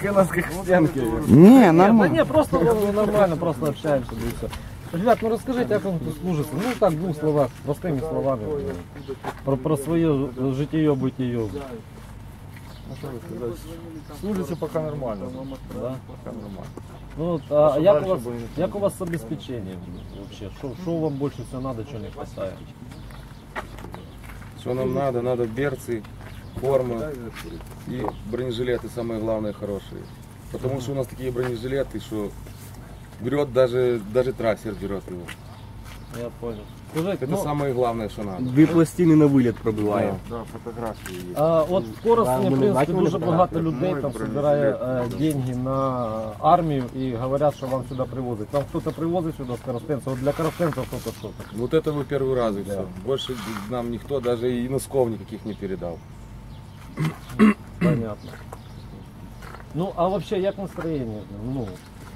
хреновских стенки. Не, Да нормально. не, просто нормально, просто общаемся, да и все. Ребят, ну расскажите, как вам тут служится. Ну так, в двух словах, простыми словами. Про свое житие-бытие. Ну, что сказать, служится пока нормально. Да? Пока нормально. Ну, а як у вас с обеспечением вообще? Что вам больше всего надо, что не хватает? Что нам надо? Надо берцы, форма и бронежилеты, самые главные, хорошие. Потому что у нас такие бронежилеты, что берет даже трассер берет его. Я понял. Скажите, Это самое главное, что надо. Дві пластини на виліт пробиваємо. Да, фотографии есть. от в Коростені, в принципі, дуже багато людей там збирає деньги на армію і говорять, що вам сюди привозять. Там хтось привозить сюди з коростенців, от для коростенців хтось що. Вот это вы первый раз и все. Больше нам никто даже и носков никаких не передал. Понятно. Ну, а вообще, як настроєння? Ну,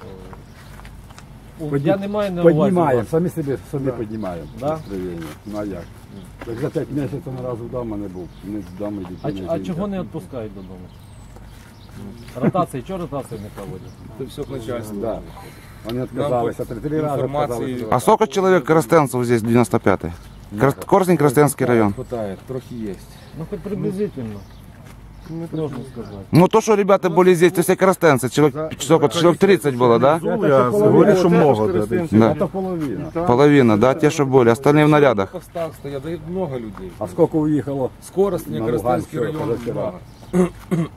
я не маю на увазі. Піднімаємо, вас. самі собі піднімаємо Да? настроєння. Ну а як? Так за 5 місяців ні разу вдома не був. Не вдома і дітей. А чого не відпускають додому? Ротації, чого ротації не проводять? Это все к начальству. Да. Вони відказалися, 3 рази Информации відказалися. А сколько человек коростенцев здесь, 95-й? Коростень, Коростенский район. Хватает, трохи есть. Ну, хоч приблизительно. Можно сказать. Ну то, что ребята были здесь, то все коростенцы, человек 30 было, да? Я говорю, що много. Да. Це половина. Половина, да, те, что были, остальные в нарядах. В постах стоят, да и много людей. А скільки уїхало? Скоростный, На Коростенский Луганск район. позавчера. много.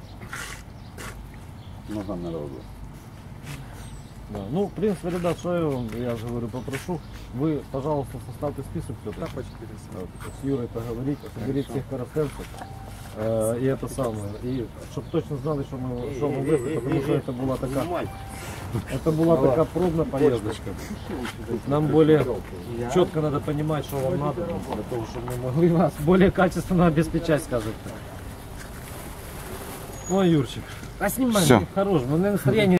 Много народу. Да. Ну, в принципе, ребят, что я же говорю, попрошу, вы, пожалуйста, составьте список все-таки. С Юрой поговорите, соберите всех коростенцев. И это самое. И чтобы точно знали, что мы везли, потому что это была такая пробная поездочка. Нам более четко надо понимать, что вам надо, для того, чтобы мы могли вас более качественно обеспечать, скажем так. Ой, Юрчик, а снимай, Всё. хорош, мы на настроение.